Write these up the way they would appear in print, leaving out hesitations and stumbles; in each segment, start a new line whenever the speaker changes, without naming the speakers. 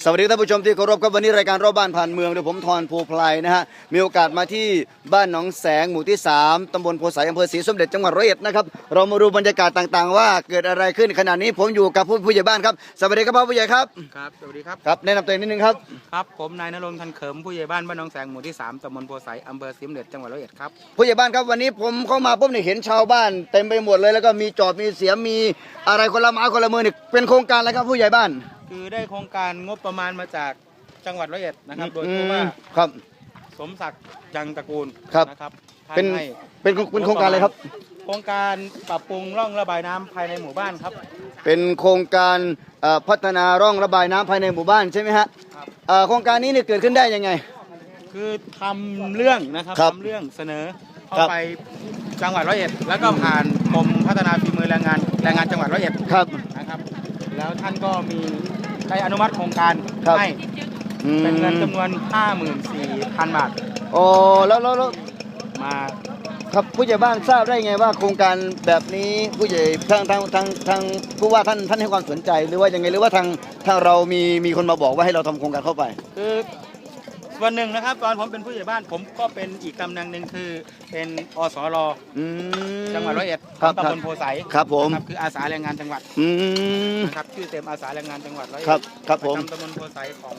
สวัสดีท่านผู้ชมที่เคารพครับวันนี้รายการรอบบ้านผ่านเมืองโดยผมธรภูไพรนะฮะมีโอกาสมาที่บ้านหนองแสงหมู่ที่3ตำบลโพไสอำเภอศรีสมเด็จจังหวัดร้อยเอ็ดนะครับเรามาดูบรรยากาศต่างๆว่าเกิดอะไรขึ้นขณะนี้ผมอยู่กับผู้ใหญ่บ้านครับสวัสดีครับผู้ใหญ่ครับ
ครับสวัสดีครับ
ครับแนะนำตัวเองนิดนึงครับ
ครับผมนายณรงค์ทันเขิมผู้ใหญ่บ้านบ้านหนองแสงหมู่ที่3ตำบลโพไสอำเภอศรีสมเด็จจังหวัดร้อยเอ็ดครับ
ผู้ใหญ่บ้านครับวันนี้ผมเข้ามาปุ๊บเนี่ยเห็นชาวบ้านเต็มไปหมดเลยแล้วก็มีจอบมีเสียมมีอะไรคนละไม้คนละมือนี่เป็นโครงการอะไรครับผู้ใหญ่บ้าน
คือได้โครงการงบประมาณมาจากจังหวัดร้อยเอ็ดนะครับโดยผู้ว่า
ครับ
สมศักดิ์ยังตระกูลนะครับ
เป็นโครงการอะไรครับ
โครงการปรับปรุงร่องระบายน้ำภายในหมู่บ้านครับ
เป็นโครงการพัฒนาร่องระบายน้ำภายในหมู่บ้านใช่ไหมฮะโครงการนี้เนี่ยเกิดขึ้นได้ยังไง
คือทำเรื่องนะครับทำเรื่องเสนอเข้าไปจังหวัดร้อยเอ็ดแล้วก็ผ่านกรมพัฒนาฝีมือแรงงานจังหวัดร้อยเอ็ดนะครับแล้วท่านก็มีได้อนุมัติโครงการให้เป็นเงินจำนวน 54,000 บาท
โอ้แล้ว
มา
ครับผู้ใหญ่บ้านทราบได้ไงว่าโครงการแบบนี้ผู้ใหญ่ทางผู้ว่าท่านให้ความสนใจหรือว่ายังไงหรือว่าทางเรามีคนมาบอกว่าให้เราทำโครงการเข้าไป
คือส่วนหนึ่งนะครับตอนผมเป็นผู้ใหญ่บ้านผมก็เป็นอีกตำแหน่งหนึ่งคือเป็นอสรจังหวัดร้อยเอ็ดตำบลโพไส
ครับผม
คืออาสาแรงงานจังหวัดนะครับชื่อเต็มอาสาแรงงานจังหวัดร้อยเอ็ด
ครับผม
ตำบลโพไสของ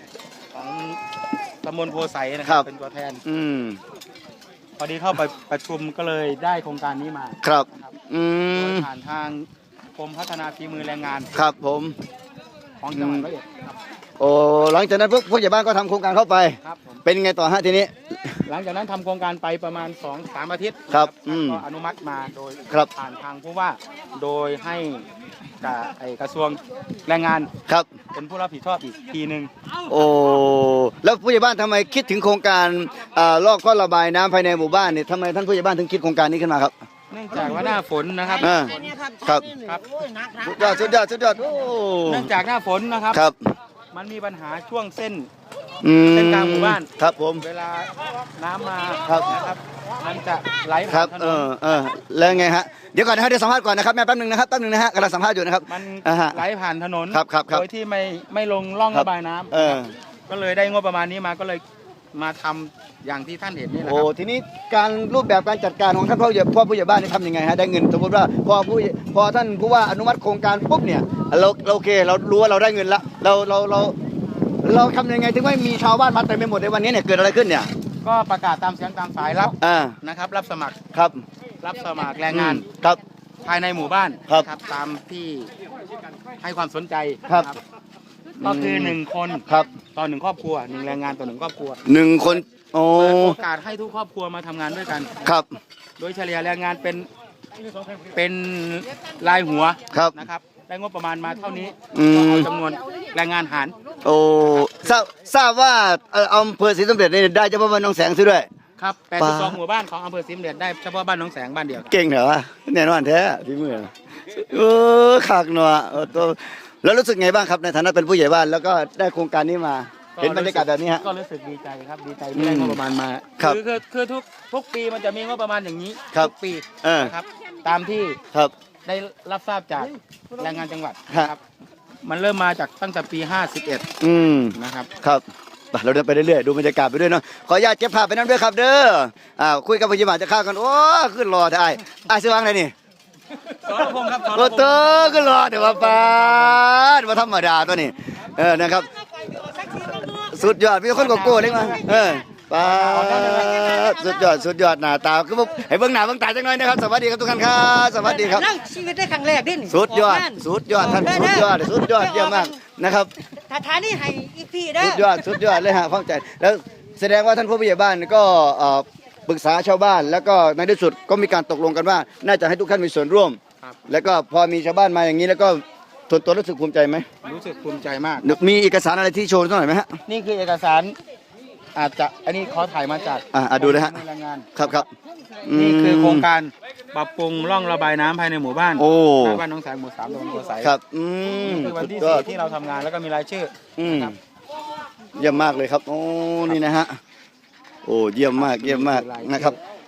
ตำบลโพไสนะครับเป็นตัวแทนพอดีเข้าไปประชุมก็เลยได้โครงการนี้มา
ครับ
ผ่านทางกรมพัฒนาฝีมือแรงงาน
ครับผม
ของจังหวัดร้อยเอ็ด
โอ้หลังจากนั้นผู้ใหญ่บ้านก็ทำโครงการเข้าไปเป็นไงต่อฮะทีนี้
หลังจากนั้นทำโครงการไปประมาณ 2-3 อาทิตย์
ครับ
ก็อนุมัติมาโดยผ่านทางผู้ว่าโดยให้กระทรวงแรงงาน
ครับ
เป็นผู้รับผิดชอบอีกทีหนึ่ง
โอ้แล้วผู้ใหญ่บ้านทำไมคิดถึงโครงการลอกท่อระบายน้ำภายในหมู่บ้านเนี่ยทำไมท่านผู้ใหญ่บ้านถึงคิดโครงการนี้ขึ้นมาครับ
เนื่องจากว่าหน้าฝนนะครับ
ครับสุดยอด
เนื่องจากหน้าฝนนะครับมันมีปัญหาช่วงเส้นกลางหมู่บ้าน
ครับผม
เวลาน้ำมานะครับมันจะไหลผ่านถนน
แล้วไงฮะเดี๋ยวก่อนนะฮะเดี๋ยวสัมภาษณ์ก่อนนะครับแม่แป๊บนึงนะฮะกำลังสัมภาษณ์อยู่นะครับ
มันไหลผ่านถนน
โ
ดยที่ไม่ลงร่องระบายน้ำก็เลยได้งบประมาณนี้มาก็เลยมาทำอย่างที่ท่านเห็นนี่แหละครับ
โอ้ทีนี้การรูปแบบการจัดการของท่านพ่อผู้ใหญ่บ้านนี่ทำยังไงฮะได้เงินสมมติว่าพอท่านผู้ว่าอนุมัติโครงการปุ๊บเนี่ยเราโอเคเรารู้ว่าเราได้เงินละเราทำยังไงถึงไม่มีชาวบ้านมาเต็มไปหมดในวันนี้เนี่ยเกิดอะไรขึ้นเนี่ย
ก็ประกาศตามเสียงตามสายรับนะครับรับสมัครรับสมัครแรงงานภายในหมู่บ้านครับตามที่ให้ความสนใจครับก็คือ1 คนต่อ1 ครอบครัว1 แรงงานต่อ1 ครอบครัว
1 คน
โอกาสให้ทุกครอบครัวมาทำงานด้วยกัน
ครับ
โดยเฉลี่ยแรงงานเป็นรายหัวนะครับได้งบประมาณมาเท่านี้ก็เอาจำนวนแรงงานหาร
โอ้ทราบว่าอำเภอศรีสมเด็จนี่ได้เฉพาะบ้านหนองแสงซื้อด้วย
ครับ82 หมู่บ้านของอำเภอศรีสมเด็จได้เฉพาะบ้านหนองแสงบ้านเดียว
เก่งเหรอวะแน่นอนแท้พี่มือขากหนัวแล้วรู้สึกไงบ้างครับในฐานะเป็นผู้ใหญ่บ้านแล้วก็ได้โครงการนี้มาเห็นบรรยากาศแบบนี้ฮะ
ก็รู้สึกดีใจครับดีใจที่ได้งบประมาณมาคือทุกปีมันจะมีงบประมาณอย่างนี้ทุกปีนะครับตามที่ได้รับทราบจากแรงงานจังหวัดครับมันเริ่มมาจากตั้งแต่ปี51นะครับ
ครับเราเดินไปเรื่อยๆดูบรรยากาศไปด้วยเนาะขออนุญาตเก็บภาพไปนั่นด้วยครับเด้อคุยกับผู้ใหญ่บ้านจะข้าวกันโอ้ขึ้นรอไอ้ซื้อวางไหนนี่
สรพงศ์ครับ
โอ้เตอขึ้นรอเดี๋ยวมาปาดมาธรรมดาตัวนี้นะครับสุดยอดมีคนโกโก้เล็กมาปาสุดยอดหน้าตาคือให้เบิ่งหน้าเบิ่งตาจังหน่อยนะครับสวัสดีครับทุกท่านครับสวัสดีครับ
ชีวิตได้ครั้งแรกดิ
สุดยอดท่านสุดยอดเยี่ยมมากนะครับ
ฐานนี่ให้อีกพี่เด้
อสุดยอดเลยฮะฟังใจแล้วแสดงว่าท่านผู้ใหญ่บ้านก็ปรึกษาชาวบ้านแล้วก็ในที่สุดก็มีการตกลงกันว่าน่าจะให้ทุกท่านมีส่วนร่วมแล้วก็พอมีชาวบ้านมาอย่างนี้แล้วก็ตัวรู้สึกภูมิใจไหม
รู้สึกภูมิใจมาก
มีเอกสารอะไรที่โชว์หน่อยไหมฮะ
นี่คือเอกสารอาจจะอันนี้ขอถ่ายมาจาก
ดูนะฮะครับ
นี่คือโครงการปรับปรุงร่องระบายน้ำภายในหมู่บ้านบ้านหนองแสงหมู่3ตำบลโพไส
ครับ
นี่คือวันที่4ที่เราทำงานแล้วก็มีรายชื่อครับ
เยี่ยมมากเลยครับโอ้นี่นะฮะโอ้เยี่ยมมากนะครับ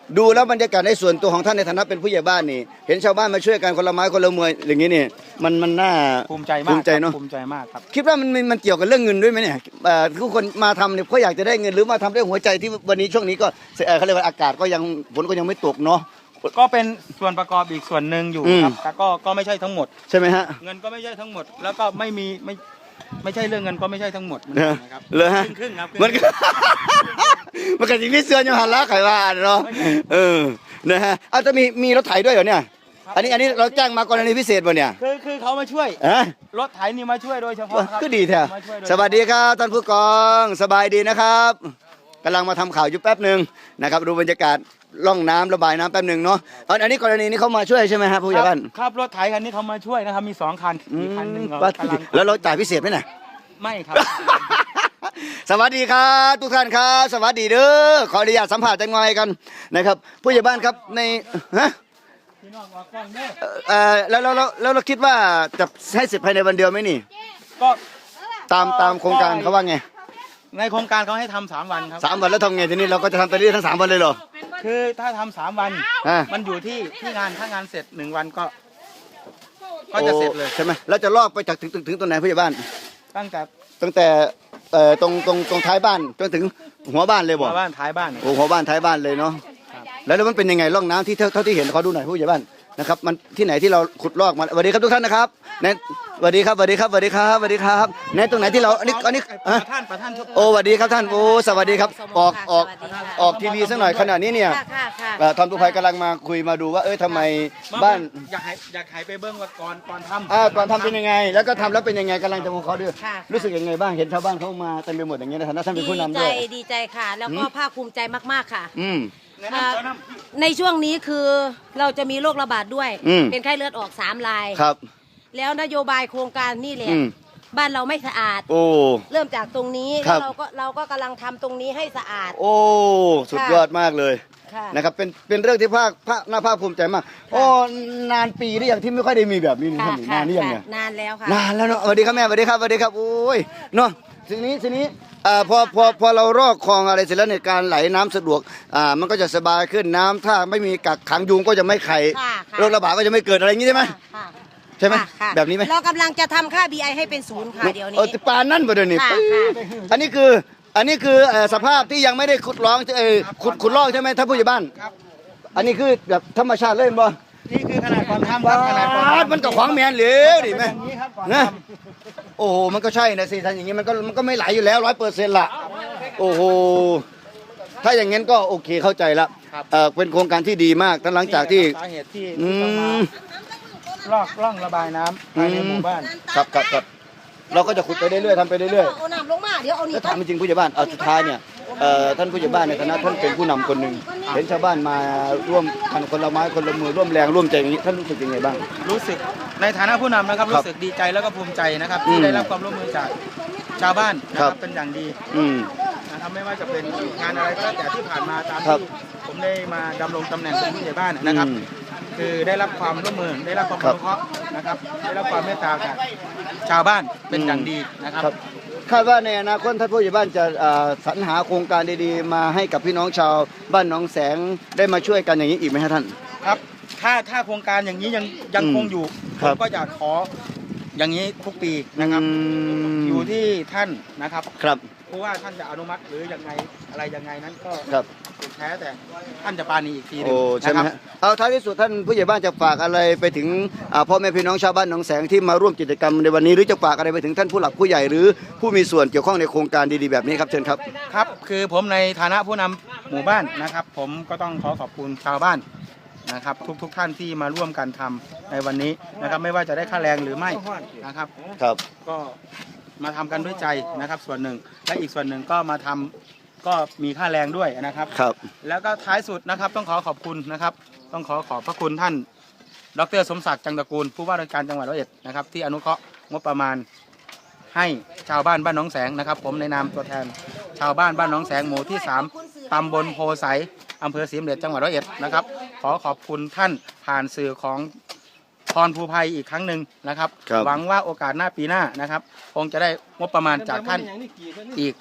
ดูแล้วบรรยากาศในส่วนตัวของท่านในฐานะเป็นผู้ใหญ่บ้านนี่เห็นชาวบ้านมาช่วยกันคนละไม้คนละมืออย่างนี้นี่มันน่า
ภูมิใจมาก
ภูมิใจเนาะ
ภูมิใจมากครับ
คิดว่ามันเกี่ยวกับเรื่องเงินด้วยไหมเนี่ยทุกคนมาทำเนี่ยเพราะอยากจะได้เงินหรือมาทำด้วยหัวใจที่วันนี้ช่วงนี้ก็เขาเรียกว่าอากาศก็ยังฝนก็ยังไม่ตกเนาะ
ก็เป็นส่วนประกอบอีกส่วนหนึ่งอยู่ครับแต่ก็ไม่ใช่ทั้งหมด
ใช่ไหมฮะ
เงินก็ไม่ใช่ทั้งหมด แล้วก็ไม่ใช่เรื่องเงินก็ไม่ใช่ทั้งหมดนะครับ
เลยฮะ
ครึ่งๆครับ
มันก็ มันก็สิ่งที่เสือยังหันละไขว่าเนาะนะฮะเอาจะมีรถไถด้วยเหรอเนี่ยอันนี้เราจ้างมากรณีพิเศษป่ะเนี่ย
คือเขามาช่วย
ฮะ
รถไถนี่มาช่วยโดยเฉพาะครับ
ก็ดีแท้
มาช่วยโดย
สวัสดีครับท่านผู้กองสบายดีนะครับกำลังมาทำข่าวอยู่แป๊บหนึ่งนะครับดูบรรยากาศล่องน้ำระบายน้ำแป๊บหนึ่งเนาะอันนี้กรณีนี้เขามาช่วยใช่ไหมฮะผู้ใหญ่บ้าน
ครับรถไถคันนี้เขามาช่วยนะครับมี2 คันอีกคันหนึ่งเรา
บ้าน
กำลัง
แล้วเราจ่ายพิเศษไหมน่ะ
ไม่ครับ
สวัสดีครับทุกท่านครับสวัสดีเด้อขออนุญาตสัมภาษณ์จังหน่อยกันนะครับผู้ใหญ่บ้านครับในฮะ
พี่น้องออกกล้องเด้อ
แล้วเราคิดว่าจะให้เสร็จภายในวันเดียวไหมนี่
ก็
ตามโครงการเขาว่าไง
ในโครงการเขาให้ทำ3 วันครับ
3 วันแล้วทำไงทีนี้เราก็จะทำไปเรื่อยทั้ง3 วันเลยเหรอ
คือถ้าทำ3 วัน
อ่า
มันอยู่ที่งานถ้างานเสร็จ1 วันก็จะเสร็จเลย
โอ้ใช่ไหมแล้วจะลอกไปจากถึงตรงไหนผู้ใหญ่บ้าน
ตั้งแต่
ตั้งแต่ตรงท้ายบ้านจนถึงหัวบ้านเลยบอก
มาบ้านท้ายบ้าน
โอ้หัวบ้านท้ายบ้านเลยเนาะแล้วมันเป็นยังไงร่องน้ำที่เท่าที่เห็นเขาดูหน่อยผู้ใหญ่บ้านนะครับมันที่ไหนที่เราขุดลอกมาสวัสดีครับทุกท่านนะครับในสวัสดีครับสวัสดีครับสวัสดีครับสวัสดีครับในตรงไหนที่เราอันนี้
ประท่าน
โอ้สวัสดีครับท่านโอ้สวัสดีครับออกทีวีสักหน่อยขณะนี้เนี่ย
ค่ะ
ทำทุกภัยกำลังมาคุยมาดูว่าทำไมบ้าน
อยากให้ไปเบิ้งว่าก่อนทำ
ก่อนทำเป็นยังไง แล้วก็ทำแล้วเป็นยังไงกำลังจะของเขาด้วย
ค่ะ
รู้สึกยังไงบ้างเห็นชาวบ้านเขามาเต็มไปหมดอย่างเงี้ยในฐานะท่านเป็นผู้นำด้วย
ดีใจค่ะ แล้วก็ภาคภูมิใจมากๆค่ะ
อืม
ในช่วงนี้คือเราจะมีโรคระบาดด้วย
อืม
เป็นไข้เลือดออก3 ราย
ครับ
แล้วนโยบายโครงการนี่แหละ
อืม
บ้านเราไม่สะอาด
โอ้
เริ่มจากตรงนี้
ครั
แล้
บ
วเราก็กำลังทำตรงนี้ให้สะอาด
โอ้สุดยอดมากเลย
ค่ะ
นะครับเป็นเรื่องที่น่าภาคภูมิใจมากโอ้นานปีหรือยังที่ไม่ค่อยได้มีแบบนี้นี่
ค่ะ
ท่านนานหรือยังเนี่ย
นานแล้วค่ะ
นานแล้วเนาะสวัสดีครับแม่สวัสดีครับสวัสดีครับโอ้ยเนาะทีนี้พอเรารอกคลองอะไรเสร็จแล้วในยการไหลน้ำสะดวกมันก็จะสบายขึ้นน้ำถ้าไม่มีกักขังยุงก็จะไม่ไข่
ค่ะค่ะ
โรคระบาดก็จะไม่เกิดอะไรอย่างนี้ใช่ไหม
ค่ะ
ใช่ไหม
ค่ะ
แบบนี้ไหม
เรากำลังจะทำค่า BI ให้เป็น0ค่ะเดี๋ยวนี้
ปานนั่นประเดี๋ยวนี้
ค่ะ
ปึ๊บ
ค่ะ
อันนี้คือสภาพที่ยังไม่ได้ขุดร้องขุดลอกใช่ไหมท่านผู้ใหญ่บ้าน
ครับ
อันนี้คือแบบธรรมชาติเลยบ่
นี่คือขนาดก่อนทำครับขนาดก่อน
บาด
ทำ
มันก็ขวางแมนเหลวดิแม่
อย่างนี้ครับก่อน
นะ
ท
โอ้โหมันก็ใช่นะสิท่านอย่างนี้มันก็ไม่ไหลอยู่แล้ว100%ละโอ้โหถ้าอย่างงั้นก็โอเคเข้าใจละเป็นโครงการที่ดีมากตั้งหลัง
ำ
จากที่
สาเหตุที่
อื
ต้องมาม ร่องระบายน้ำภายในหมู่บ้าน
ครับเราก็จะขุดไปเรื่อยๆทำไปเรื่อยๆ
เอาน้ำลงมาเดี๋ยวเอานี่
แล้วถามจริงๆผู้ใหญ่บ้านเอาสุดท้ายเนี่ยท่านผู้ใหญ่บ้านในฐานะท่านเป็นผู้นำคนหนึ่งเห็นชาวบ้านมาร่วมกันคนละไม้คนละมือร่วมแรงร่วมใจอย่างนี้ท่านรู้สึกยังไงบ้าง
รู้สึกในฐานะผู้นำนะครับ
ครับ
รู้สึกดีใจแล้วก็ภูมิใจนะครับ
อืม
ที่ได้รับความร่วมมือจากชาวบ้านนะค
ครั
รับบ เป็นอย่างดี
อืม
นะครับไม่ว่าจะเป็นงานอะไรก็แล้วแต่ที่ผ่านมาตาม
ครับ
ที่ผมได้มาดำรงตำแหน่งเป็นผู้ใหญ่บ้านนะครับ
อืม
คือได้รับความร่วมมือได้รับความ
ครั
อบ นุเคราะห์นะครับได้รับความเมตตาจากชาวบ้านเป็นอย่างดีนะครับ
ครับคาดว่าในอนาคตท่านผู้ใหญ่บ้านจะสรรหาโครงการดีๆมาให้กับพี่น้องชาวบ้านหนองแสงได้มาช่วยกันอย่างนี้อีกไหมฮะท่าน
ครับถ้าโครงการอย่างนี้ยัง
อืม
คงอยู่ผ
ครับ
มก็อยากขออย่างนี้ทุกปีนะครับ อยู่ที่ท่านนะครับ
ครับ
เพราะว่าท่านจะอนุมัติหรือยังไงอะไรยังไงนั้นก็
ครับ
สุดแท้แต่ท่านจะปราณีอีกทีหนึ
โอ้
ง
ใช่ไหม
นะค
ฮะ
รับ
เอาท้ายที่สุดท่านผู้ใหญ่บ้านจะฝากอะไรไปถึงพ่อแม่พี่น้องชาวบ้านหนองแสงที่มาร่วมกิจกรรมในวันนี้หรือจะฝากอะไรไปถึงท่านผู้หลักผู้ใหญ่หรือผู้มีส่วนเกี่ยวข้องในโครงการดีๆแบบนี้ครับเชิญครับ
ครับคือผมในฐานะผู้นำหมู่บ้านนะครับ ผมก็ต้องขอบคุณชาวบ้านนะครับทุกท่านที่มาร่วมกันทำในวันนี้นะครับ ไม่ว่าจะได้ค่าแรงหรือไม่นะครับ
ครับ
ก็มาทำกันด้วยใจนะครับ ส่วนหนึ่งและอีกส่วนหนึ่งก็มาทำก็มีค่าแรงด้วยนะครับ
ครับ
แล้วก็ท้ายสุดนะครับต้องขอบคุณนะครับ ต้องขอบพระคุณท่านดร.สมศักดิ์จังตระกูลผู้ว่าราชการจังหวัดร้อยเอ็ดนะครับที่อนุเคราะห์งบประมาณให้ชาวบ้านบ้านหนองแสงนะครับ ผมในนามตัวแทนชาวบ้านบ้านหนองแสงหมู่ที่ 3ตำบลโพไสอำเภอศรีสมเด็จจังหวัดร้อยเอ็ดนะครับขอบคุณท่านผ่านสื่อของพรภูภัยอีกครั้งหนึ่งนะครับ
ครับ
หวังว่าโอกาสหน้าปีหน้านะครับคงจะได้งบประมาณจากท่านอีก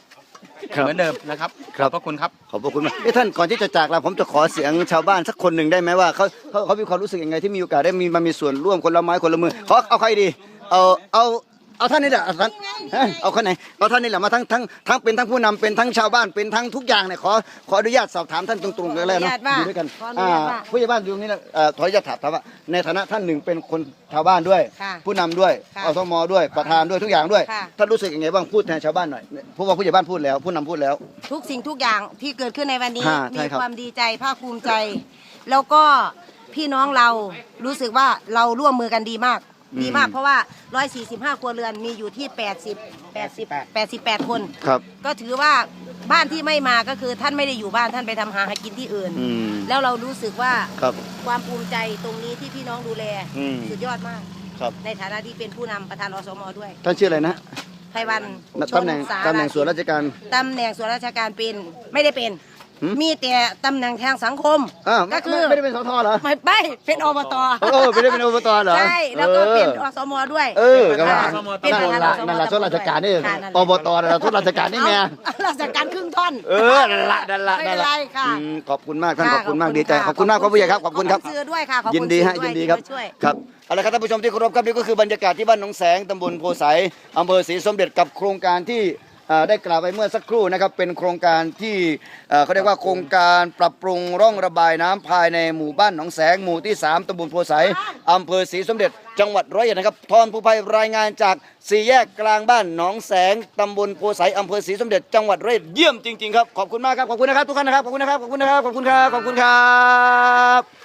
ครับ
เหมือนเดิมนะครับ
ครับ
ขอบพระคุณครับ
ขอบพระคุณมากท่านก่อนที่จะจากลาผมจะขอเสียงชาวบ้านสักคนหนึ่งได้ไหมว่าเขามีความรู้สึกยังไงที่มีโอกาสได้มีส่วนร่วมคนละไม้คนละมือเอาใครดีเอาท่านนี่แหละเอาคนไหนเอาท่านนี่แหละมาทั้งเป็นทั้งผู้นำเป็นทั้งชาวบ้านเป็นทั้งทุกอย่างเนี่ยขออนุญาตสอบถามท่านตรงๆเลยแล้วเนาะอยู่ด้วยกันผู้ใหญ่บ้านอยู่นี่นะขออนุญาตถามว่าในฐานะท่านหนึ่งเป็นคนชาวบ้านด้วย ผู้นำด้วยอสมด้วยประธานด้วยทุกอย่างด้วยท่านรู้สึกยังไงบ้างพูดแทนชาวบ้านหน่อยเพราะว่าผู้ใหญ่บ้านพูดแล้วผู้นำพูดแล้ว
ทุกสิ่งทุกอย่างที่เกิดขึ้นในวันนี้
ใช่
มี
ครับ
ความดีใจภาคภูมิใจ แล้วก็พี่น้องเรารู้สึกว่าเราร่วมมือกันดีมาก ดีมากเพราะว่า 145 ครัวเรือนมีอยู่ที่ 88 คน
ครับ
ก็ถือว่าบ้านที่ไม่มาก็คือท่านไม่ได้อยู่บ้านท่านไปทำหากินที่อื่น แล้วเรารู้สึกว่า
ครับ
ความภูมิใจตรงนี้ที่พี่น้องดูแล สุดยอดมาก
ครับ
ในฐานะที่เป็นผู้นำประธานอสมด้วย
ท่านชื่ออะไรนะ
ไพวันช
ตำแหน่ง
สา
ตำแหน่งส่วนราชการ
ตำแหน่งส่วนราชการเป็นไม่ได้เป็น มีแต่ตำแหน่งทางสังคม ก็คือ
ไม่ได้เป็นสทเหรอ
ไม่เป็นอบต
ไม่ได้เป็นอบตเหรอ
ใช่แล้วก็เป็นอสมด้วย
ก็ว่า
เป็นประธานอสม
นั่นแหละส่วนราชการนี่
ค่ะนั่นแหละ
อบตนั่นแหละส่วนราชการนี่ไง
เอาราชการครึ่งท่อน
นั่นละ
ไม่เป็นไรค่ะ
ขอบคุณมากท่านขอบคุณมากดีใจขอบคุณมากครับผู้ใหญ่ครับขอบคุณครับ
ขซื้อด้วยค่ะขอบคุณ
ยินดีฮะ
ซื้อ
ยินดีครับ
ที่มาช่วย
ครับเอาละครับท่านผู้ชมที่เคารพครับนี่ก็คือบรรยากาศที่บ้านหนองแสงตำบลโพไสอำเภอศรีสมเด็จกับโครงการที่ได้กล่าวไปเมื่อสักครู่นะครับเป็นโครงการที่เขาเรียกว่าโครงการปรับปรุงร่องระบายน้ำภายในหมู่บ้านหนองแสงหมู่ที่3ตำบลโพไสอำเภอศรีสมเด็จจังหวัดร้อยเอ็ดนะครับทอนผู้ภัยรายงานจากสี่แยกกลางบ้านหนองแสงตำบลโพไสอำเภอศรีสมเด็จจังหวัดร้อยเอ็ดเยี่ยมจริงๆครับขอบคุณมากครับขอบคุณนะครับทุกท่านนะครับขอบคุณนะครับขอบคุณนะครับขอบคุณครับขอบคุณครับ